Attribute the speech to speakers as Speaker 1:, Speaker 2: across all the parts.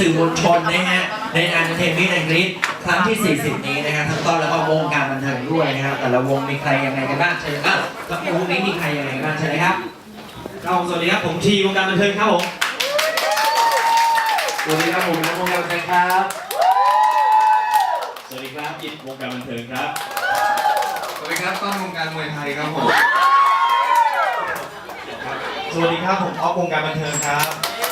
Speaker 1: สื่อมวลชนนะฮะในงานเทนนิสแอนด์กรีดครั้งที่ 40 นี้นะครับทั้งต้นแล้วก็วงการบันเทิงด้วยนะครับแต่ละวงมีใครยังไงกันบ้างเชิญครับแล้ววงนี้มีใครยังไงกันบ้างเชิญเลยครับ
Speaker 2: สวัสดีครับผมทีวงการบันเทิงครับผม
Speaker 3: สวัสดีครับผมนักวงการบันเทิงครับ
Speaker 2: สวัสดีครับอิทวงการบันเทิงครับ
Speaker 3: สวัสดีครับต้นวงการมวยไทยครับผม
Speaker 2: สวัสดีครับผมออฟวงการบันเทิงครับ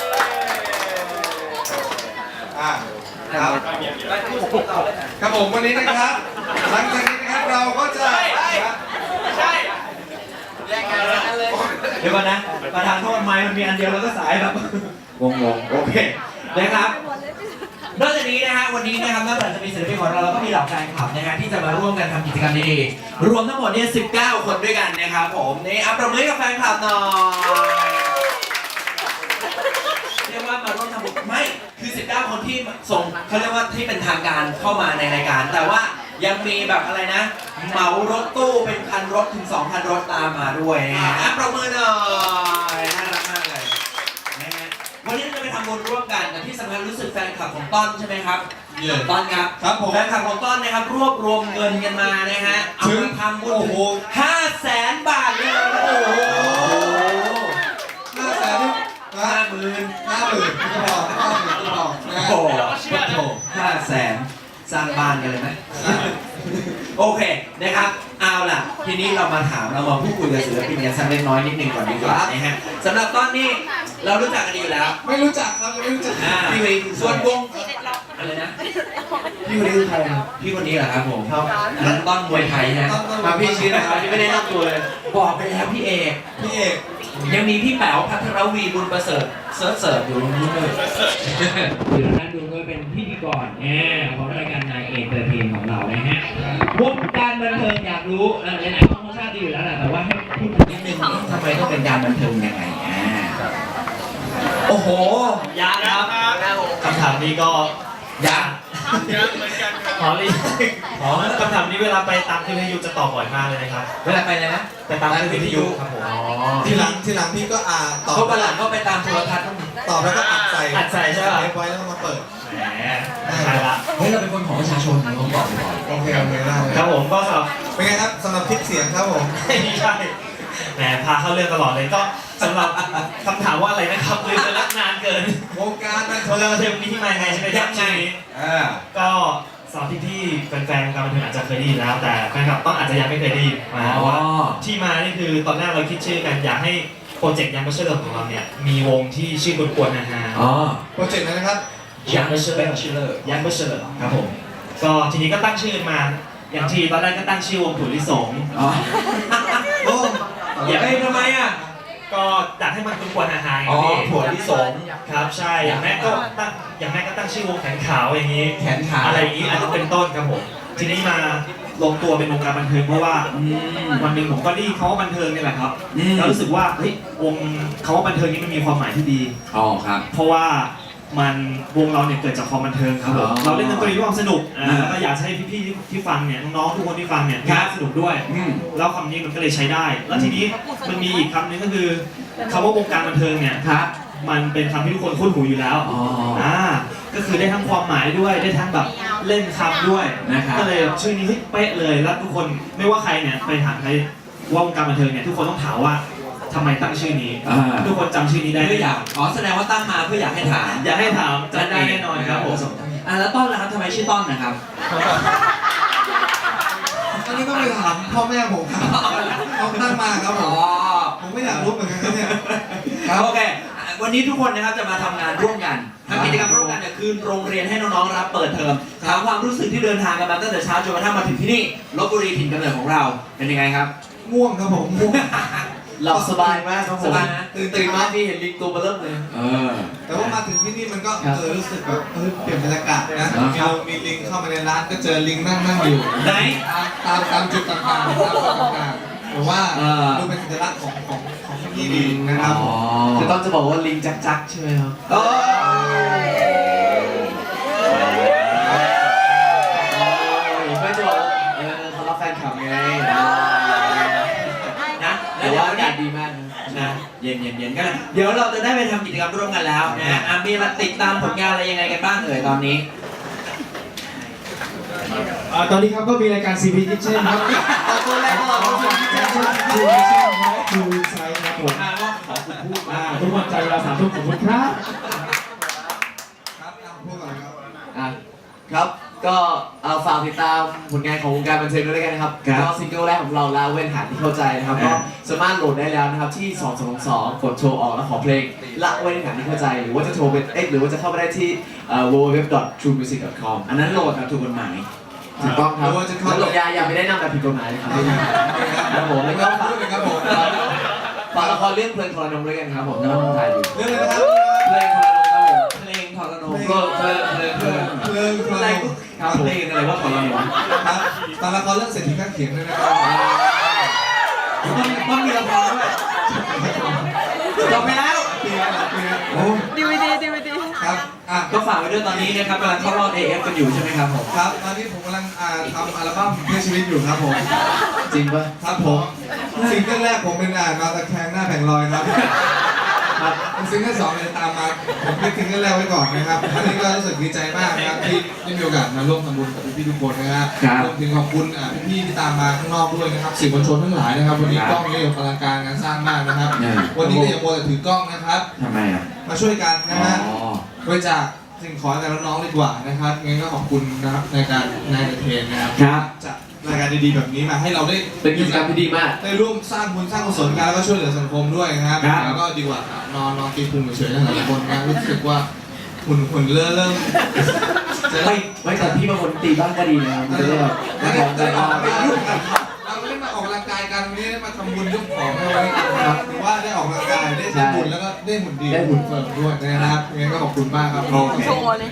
Speaker 3: ครับครับผมวันนี้นะครับหลังจากนี้นะครับเราก็จะ
Speaker 1: ใช่แยกกันเลยเดี๋ยวก่อนนะประธานโทษไม้มันมีอันเดียวแล้วก็สายแบบงงโอเคนะครับนอกจากนี้นะฮะวันนี้นะครับนอกจากจะมีศิลปินของเราแล้วก็มีเหล่าแฟนคลับนะฮะที่จะมาร่วมกันทำกิจกรรมดีๆรวมทั้งหมดเนี่ย19 คนด้วยกันนะครับผมนี่อัปประมือกับแฟนคลับหน่อยเรียกว่ามาร่วมทำบุญไม่คือ19 คนที่ส่งเขาเรียกว่าที่เป็นทางการเข้ามาในรายการแต่ว่ายังมีแบบอะไรนะเหมารถตู้เป็นพันรถถึง 2,000 รถตามมาด้วยนะฮะอัปประมือหน่อยน่ารักมากเลยนะฮะวันนี้เราจะไปทำบุญร่วมกันแต่ที่สำคัญรู้สึกแฟนคลับของต้นใช่ไหมครับต้นครับแฟนคลับของต้นนะครับรวบรวมเงินกันมานะฮะเอาไปทำบุญถึง500,000 บาทเลยโอ้โห
Speaker 3: 50,000ก็พอ50,000ก็พอ
Speaker 1: โอ้โห500,000สร้างบ้านกันเลยไหมโอเคนะครับเอาล่ะทีนี้เรามาพูดคุยกับศิลปินกันสักเล็กน้อยนิดนึงก่อนดีกว่านะฮะสำหรับต้นนี่เรารู้จักกันดีอยู่แล้ว
Speaker 3: ไม่รู้จักครับไม่รู้จัก
Speaker 1: พี่วีส่วนวงอะไรนะพี่คนนี้คือใครพี่คนนี้เหรอครับผมครับนั้นต้นมวยไทยนะมาพี่ชื่อนะครับที่ไม่ได้นับตัวเลยบอกไปแล้วพี่เอกยังมีพี่แป๋วพัทรวีบุญประเสริฐเสิร์ฟอยู่ตรงนู้นเลยอยู่นั้นดูด้วยเป็นพิธีกรของรายการนายเอกเตอร์เทนของเรานะฮะวงการบันเทิงอยากรู้ไหนๆต้องทราบดีอยู่แล้วแหละแต่ว่าให้พูดนิดนึงทำไมต้องเป็นการบันเทิงยังไงโอ้โห
Speaker 2: ยากครับคำถามนี้ก็
Speaker 1: ยาก
Speaker 2: เหมือนกันขอคำถามนี้เวลาไปตามที่วิทยุจะตอบบ่อยมากเลยนะครับ
Speaker 1: เวลาไปเลยนะ
Speaker 2: ไปตามที่วิทยุครับผม
Speaker 3: ทีหลังพี่ก็ตอบ
Speaker 1: เขาประหลาดก็ไปตามโทรทัศน์
Speaker 3: ตอบแล้วก็อัดใส่
Speaker 2: ใช่ไหม
Speaker 3: ไว้แล้วก็มาเปิด
Speaker 2: แหมใช่ละ
Speaker 1: เฮ้ยเราเป็นคนของประชาชนผมบอกไปก่อน
Speaker 3: โอเคได้
Speaker 2: ครับผมก็สำหรับ
Speaker 3: เป็นไงครับสำหรับคลิปเสียงครับผม
Speaker 2: ไม่ใช่แหมพาเข้าเรื่องตลอดเลยก็สำหรับคำถามว่าอะไรนะครับลืมไปละนานเกิน
Speaker 3: วงการบัน
Speaker 2: เทอมนี้ที่มาไงใช่ไหมครับใช่ก็สำหรับที่แฟนๆการบันเทิงอาจจะเคยได้ยินแล้วแต่แฟนคลับต้องอาจจะยังไม่เคยได้ยินว่าที่มานี่คือตอนแรกเราคิดชื่อกันอยากให้โปรเจกต์ยังไม่เชื่อของเราเนี่ยมีวงที่ชื่อกวนๆนะฮะ
Speaker 3: โปรเจกต์นะครับ
Speaker 2: ยังไม่เชื่อครับผมก็ทีนี้ก็ตั้งชื่อมาอย่างที่ตอนแรกก็ตั้งชื่อวงถั่วลิสง
Speaker 1: ทำไมอ่ะ
Speaker 2: ก็อยากให้มันกวนๆฮาๆ
Speaker 1: ถั่วลิสง
Speaker 2: ครับใช่อย่างแม่ก็ตั้งชื่อวงแขนขาวอย่างนี้
Speaker 1: แขนขาว
Speaker 2: อะไรอย่างนี้อาจจะเป็นต้นครับผมทีนี้มาลงตัวเป็นวงการบันเทิงเพราะว่าวันหนึ่งผมก็ได้เขาว่าบันเทิงนี่แหละครับแล้วรู้สึกว่าเฮ้ยวงเขาว่าบันเทิงนี้มันมีความหมายที่ดี
Speaker 1: ครับ
Speaker 2: เพราะว่ามันวงเราเนี่ยเกิดจากความบันเทิงครับผมเราเล่นดนตรีด้วยความสนุกแล้วก็อยากให้พี่ๆที่ฟังเนี่ยน้องๆทุกคนที่ฟังเนี่ยสนุกด้วยแล้วคำนี้มันก็เลยใช้ได้แล้วทีนี้มันมีอีกคำนึงก็คือคำว่าวงการบันเทิงเนี่ยมันเป็นคำที่ทุกคนคุ้นหูอยู่แล้วก็คือได้ทั้งความหมายด้วยได้ทั้งแบบเล่นคำด้วยก็เลยชื่อนี้เป๊ะเลยแล้วทุกคนไม่ว่าใครเนี่ยไปถามใครว่าวงการบันเทิงเนี่ยทุกคนต้องถามว่าทำไมตั้งชื่อนี้ทุกคนจำชื่อนี้ได้
Speaker 1: เพื่ออยากแสดงว่าตั้งมาเพื่ออยากให้ถาม
Speaker 2: จำได้แน่นอนครับผม
Speaker 1: แล้วต้นล่ะครับทำไมชื่อต้นนะครับ
Speaker 3: อันนี้ก็ไปถามพ่อแม่ผมครับเขาตั้งมาครับผมไม่อยากรู้เหมือนกันเนี่ย
Speaker 1: โอเควันนี้ทุกคนนะครับจะมาทำงานร่วมกันทำกิจกรรมร่วมกันเนี่ยคือโรงเรียนให้น้องๆรับเปิดเทอมถามความรู้สึกที่เดินทางกันมาตั้งแต่เช้าจนกระทั่งมาถึงที่นี่ลพบุรีถิ่นกำเนิดของเราเป็นยังไงครับ
Speaker 3: ง่วงครับผมง่วง
Speaker 1: หลับสบายมากครับผมตื่นมาที่เห็นลิงตัวเบลิ่มเลย
Speaker 3: แต่ว่ามาถึงที่นี่มันก็รู้สึกแบบเปลี่ยนบรรยากาศนะมีลิงเข้ามาในร้านก็เจอลิงนั่งอยู่
Speaker 1: ไหน
Speaker 3: ตามจุดต่างๆหรือว่าดูเป็นสัญลักษณ์ของที่นี่ดีนะครับ
Speaker 1: จะต้องจะบอกว่าลิงจักใช่ไหมครับไม่จะบอกเขารับแฟนคลับไงนะแต่ว่าอากาศดีมากนะเย็นย็นๆกันเลยเดี๋ยวเราจะได้ไปทำกิจกรรมร่วมกันแล้วนะมีมาติดตามผลงานอะไรยังไงกันบ้างเอ่ยตอนนี้
Speaker 4: ตอนนี้ครับก็มีรายการ CP Kitchen ครับ
Speaker 1: เอาตัวแรกก็เราต้อง
Speaker 4: CP Kitchen ครับคือไซส์ครับผม
Speaker 1: ขอคุณพูดมา
Speaker 4: ทุกวันจันทร์เวลา3 ทุ่มขอบคุณครับ
Speaker 3: ครับพูดก่อนครับ
Speaker 5: ครับ ก็ฝากติดตามผลงานของวงการบันเทิงด้วยแล้วกันนะครับก็ซิงเกิลแรกของเราลาเว้นหาที่เข้าใจนะครับก็สามารถโหลดได้แล้วนะครับที่222กดโทรออกแล้วขอเพลงละเว้นหาที่เข้าใจหรือว่าจะโทรเป็นหรือว่าจะเข้าไปได้ที่www.truemusic.com
Speaker 1: อันนั้นโหลดแบบถูกกฎหมาย
Speaker 5: ถูกต้องครับ
Speaker 3: หรือว่าจะเข้า
Speaker 5: แล้วอย่าไปได้นำแบบผิดกฎหมายนะครับครับผมแล้วก็ฝาก
Speaker 3: พูดเลยครับผม
Speaker 5: ฝากละครเรื่องเพลินทรนงด้วยกันครับผมกำลังถ่ายอยู่
Speaker 3: เรื่องอะไรนะครับ
Speaker 5: เพลงทรนงครับผม
Speaker 1: เพลงทรนงก็เพลิน
Speaker 3: อะไร
Speaker 1: ครับเพลงอะไรว่าทรนง
Speaker 3: ครับตอนละครเรื่องเศรษฐีข้างเขียงด้วยนะครับ
Speaker 1: ต้องมีละครด้วยจบไปแล้ว
Speaker 3: ปีละปีละโอ้
Speaker 6: DVD
Speaker 3: ครับ
Speaker 1: ก็ฝากไว้ด้วยตอนนี้นะครับกำลังเข้ารอบ AF กันอยู่ใช่ไหมครับผม
Speaker 3: ครับตอนนี้ผมกำลังทำอัลบั้มเพื่อชีวิตอยู่ครับผม
Speaker 5: จริงปะ
Speaker 3: ครับผมซิงเกิลแรกผมเป็นนอนตะแคงหน้าแผงลอยครับครับซิงเกิล2เนี่ยตามมาผมเป็นซิงเกิลแรกไว้ก่อนนะครับอันนี้ก็รู้สึกดีใจมากนะครับที่ได้มีโอกาสมาร่วมทำบุญกับพี่ๆทุกคนนะครับรวมถึงขอบคุณพี่ๆที่ตามมาข้างนอกด้วยนะครับสื่อมวลชนทั้งหลายนะครับวันนี้กล้องนี่อลังการงานสร้างมากนะครับวันนี้ก็อย่ามัวแต่ถือกล้องนะครับ
Speaker 1: ทำไมอ่ะ
Speaker 3: มาช่วยกันนะฮะบริจาคสิ่งของให้กับน้องๆดีกว่านะครับงั้นก็ขอบคุณนะครับในการนายเทนนะครับ
Speaker 1: ครับ
Speaker 3: จัดรายการดีๆแบบนี้มาให้เราได้
Speaker 5: เป็นกิจกรรมที่ดีมาก
Speaker 3: ได้ร่วมสร้างบุญสร้างกุศลกันแล้วก็ช่วยเหลือสังคมด้วยนะครับ
Speaker 1: ครับ
Speaker 3: แล้วก็ดีกว่านอนตีพุงเฉยๆนะหลายคนนะรู้สึกว่าหุ่นเริ่มจะ
Speaker 5: ไม่แต่พี่บางคนตีบ้างก็ดีนะครับมันจะได้แบบ
Speaker 3: ไม่
Speaker 5: ไม่
Speaker 3: ได้
Speaker 5: ของใจ
Speaker 3: ออก
Speaker 5: มาก
Speaker 3: ไปยุ่งกันเราไม่ได้มาออกกำลังกายกันวันนี้ได้มาทำบุญยกของให้วันนี้ครับถือว่าได้ออกกำลังกายได้ทำบุญแล้วก็ได้หุ่นดีหุ่นเฟิร์มด้วยนะครับงั้นก็ขอบคุณมากครับ
Speaker 1: โอเค
Speaker 6: โชว์เลย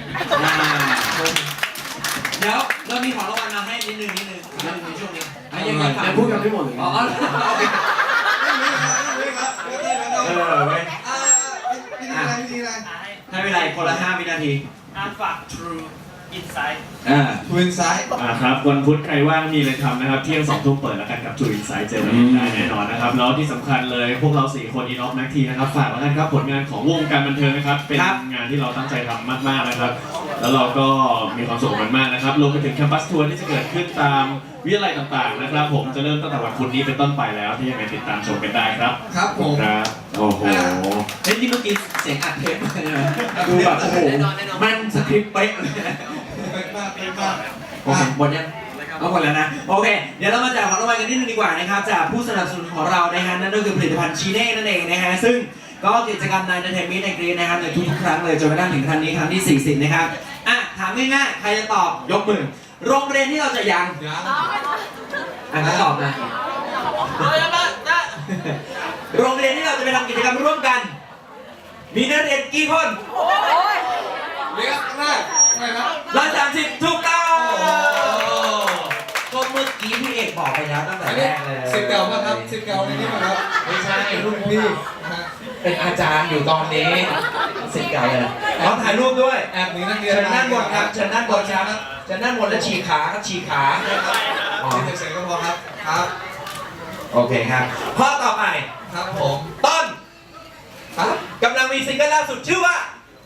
Speaker 1: เดี๋ยวเรามีของรางวัลมาให้นิดนึงในช่วงนี้ยังไง
Speaker 5: แต่พูดกันไม่หมดเลย
Speaker 1: อ๋อเว้ย
Speaker 3: วิธีอะไร
Speaker 1: ให้เวลาคนละ5 วินาที
Speaker 2: ฝาก True Insight
Speaker 3: ทวินซ้าย
Speaker 7: ครับวันพุธใครว่างมีเลยทำนะครับเที่ยง2 ทุ่มเปิดแล้วกันกับ True Insight เจอกันได้แน่นอนนะครับแล้วที่สำคัญเลยพวกเรา4 คน In Off Mac T นะครับฝากแล้วกันครับผลงานของวงการบันเทิงนะครับเป็นงานที่เราตั้งใจทำมากๆนะครับแล้วเราก็มีความสุขมันมากนะครับรวมไปถึงแคมปัสทัวร์ที่จะเกิดขึ้นตามวิทยาลัยต่างๆนะครับผมจะเริ่มตั้งแต่วันพุธนี้เป็นต้นไปแล้วที่ยังไงติดตามชมกันได้ครับ
Speaker 3: ครับผม
Speaker 7: ครับโอ้โห
Speaker 1: เฮ้ยนี่เมื่อกี้เสียงอัดเทปมาใช่ไหมดูแบบโอ้โหมันสคริปต์เป๊ะเลย
Speaker 3: เป็นมากเป็นมาก
Speaker 1: โอเคหมดยังเอาหมดแล้วนะโอเคเดี๋ยวเรามาแจกของรางวัลกันนิดนึงดีกว่านะครับจากผู้สนับสนุนของเรานะฮะนั่นก็คือผลิตภัณฑ์ชีเน่นั่นเองนะฮะซึ่งก็กิจกรรมในเทนมิในกรีนนะครับในทุกๆครั้งเลยจนกระทั่งถึงครั้งนี้ครั้งที่40นะครับอ่ะถามง่ายๆใครจะตอบยกมือโรงเรียนที่เราจะยัง
Speaker 3: ยัง
Speaker 1: งั้นตอบนะโรงเรียนที่เราจะไปทำกิจกรรมร่วมกัน มีนักเรียนกี่คน
Speaker 3: เรียกแรกไงครับ
Speaker 1: 130ถูกต้องก็เมื่อกี้พี่เอกบอกไปแล้วตั้งแต่แรกเลย
Speaker 3: สิบเก่าป่ะครับสิบเก่าในนี้ป่ะครับ
Speaker 1: ไม่ใช่
Speaker 3: รุ่นพี่ฮะ
Speaker 1: เป็นอาจารย์อยู่ตอนนี้สิบเก่าเลยขอถ่ายรูปด้วย
Speaker 3: แอบหนีนักเรียน
Speaker 1: เชิญด้านบนครับเชิญด้านบนครับเชิญด้านบนแล้วฉีกขาครับฉีกขา
Speaker 3: นี่เสียงก็พอครับครับ
Speaker 1: โอเคครับข้อต่อไป
Speaker 3: ครับผม
Speaker 1: ต้น
Speaker 3: ครับ
Speaker 1: กำลังมีซิงเกิลล่าสุดชื่อว่า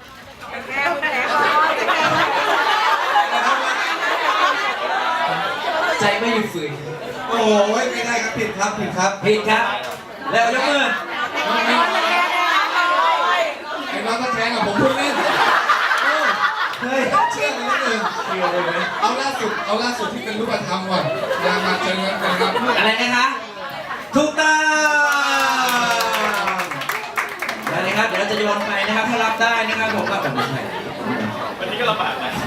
Speaker 5: ใจไม่หยุดฝืน
Speaker 3: โอ้ยไม่ได้ครับผิดครับผิดครับ
Speaker 1: ผิดครับแล้วยกมือ
Speaker 3: ไอ้น้องก็แข่งกับผมพูดเล่น
Speaker 1: เฮ้ย
Speaker 3: เชื่อกันนิดนึงเอาล่าสุดที่เป็นรูปธรรมก่อนมาเจอกันนะครับ
Speaker 1: อะไรนะคะถูกต้องได้เลยครับเดี๋ยวเราจะโยนไปนะครับถ้ารับได้นะครับผมก็ไม่ใช่
Speaker 7: วันนี้ก็ลำบากนะ